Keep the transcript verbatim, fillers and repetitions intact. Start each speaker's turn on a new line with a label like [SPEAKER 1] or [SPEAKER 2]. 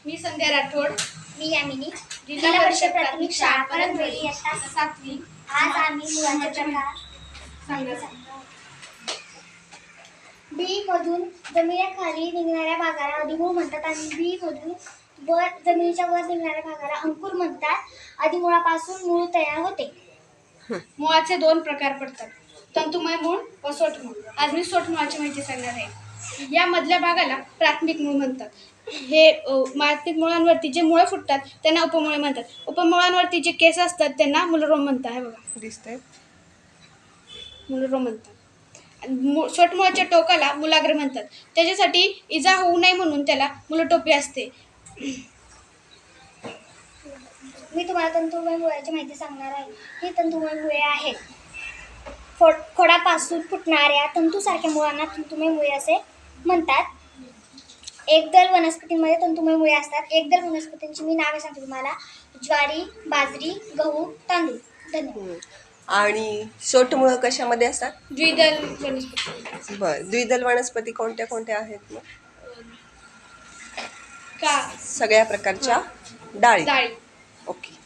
[SPEAKER 1] मी संध्या राठोड.
[SPEAKER 2] मी यामिनी.
[SPEAKER 1] जिल्हा परिषद प्राथमिक शाळा परंदळी इयत्ता सातवी.
[SPEAKER 2] आज आम्ही मुळाचे प्रकार
[SPEAKER 1] सांगत
[SPEAKER 2] बी मधून जमिनीखाली निघणाऱ्या भागाला अधिमूळ म्हणतात आणि बी मधून वर जमिनीच्या वर निघणाऱ्या भागाला अंकुर म्हणतात. अधिमुळापासून मूळ तयार होते.
[SPEAKER 1] मुळाचे दोन प्रकार पडतात, तंतुमय मूळ व सोटमूळ. आज मी सोटमुळाची माहिती सांगणार आहे. या मधल्या भागाला प्राथमिक मूळ म्हणतात. हे प्राथमिक मुळांवरती जे मुळं फुटतात त्यांना उपमुळे म्हणतात. उपमुळांवरती जे केस असतात त्यांना मूलरोम म्हणतात. हे बघा दिसतंय, मूलरोम म्हणतात. सोटमुळाच्या टोकाला मूलाग्र म्हणतात. त्याच्यासाठी इजा होऊ नये म्हणून त्याला मूलटोपी असते.
[SPEAKER 2] मी तुम्हाला तंतुमय मुळाची माहिती सांगणार आहे. ही तंतुमय मुळे आहेत. खोडापासून फुटणाऱ्या तंतूसारख्या मुळांना तंतुमय मुळे असे म्हणतात. एकदल वनस्पतींमध्ये तंतुमय मुळे असतात. एकदल वनस्पतींची मी नावे सांगते तुम्हाला: ज्वारी, बाजरी, गहू, तांदूळ. धन्यवाद.
[SPEAKER 3] आणि सोटमुळं कशामध्ये असतात?
[SPEAKER 1] द्विदल वनस्पती.
[SPEAKER 3] बरं, द्विदल वनस्पती कोणत्या कोणत्या आहेत मग?
[SPEAKER 1] का
[SPEAKER 3] सगळ्या प्रकारच्या डाळी.
[SPEAKER 1] डाळी.
[SPEAKER 3] ओके.